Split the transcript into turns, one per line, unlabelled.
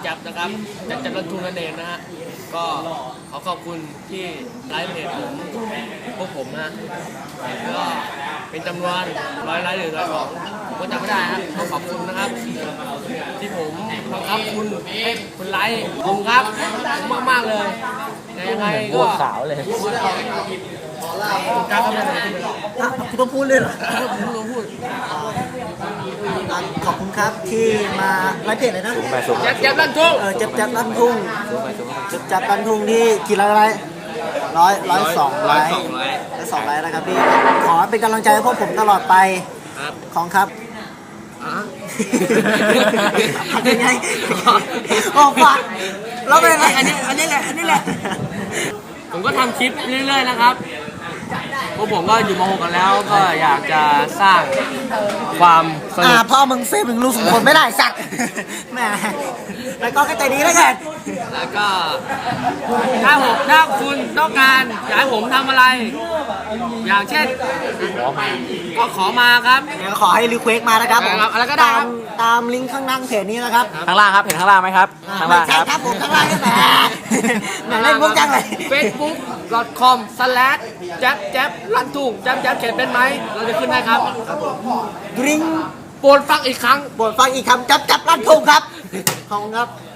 จับนะครับจับรันทุงนั่นเองนะฮะก็ขอขอบคุณที่ไลฟ์เพจผมพวกผมนะก็เป็นจำนวน100 ไลค์หรือ100 ผมก็จำไม่ได้ฮะขอขอบคุณนะครับที่ผมบังคับคุณให้คุณไลค์ผมครับผมมากๆเลยยังไงก็
ขาวเลย
การทำงาน
คุณต้องพูดเลยเหรอ
ผมต้องพูด
ขอบคุณครับที่มาไลฟ์เพจเลยนะ
จับรันทุง
จับรันทุ่งจับรันทุ่งที่กี่ไลค์102 ไลค์102 ไลค์นะครับพี่ขอเป็นกำลังใจให้พวกผมตลอดไปของครับยังไงโอ้ฟังแล้วเป็นไงอันนี้แหละ
ผมก็ทำคลิปเรื่อยๆนะครับพวกผมก็อยู่ม.6 กันแล้วก็อยากจะสร้างความสนุก
พ่อมึงเซฟมึงลูก2 คนไม่ได้สัตว์แหมแล้วก็ใจดีแล้วกัน
แล้วก็ถ้าคุณต้องการอยากให้ผมทำอะไรอย่างเช่นก็ขอมาครับ
ขอให้รีเควสมานะครับ
อะไรก็ได้
ตามลิงก์ข้างล่างเพจนี้นะครับ
ข้างล่างครับเห็นข้างล่างไหมครับข้างล่าง
ครับผมข้างล่างนี่แหละเล่นมุกจังเลย
facebook.com/รันทุ่งแจ๊บเขียนเป็นไหมเราจะขึ้นได้ครับ
ลิงก์
โปรดฟังอีกครั้ง
จับรันทุ่งครับขอบคุณครับ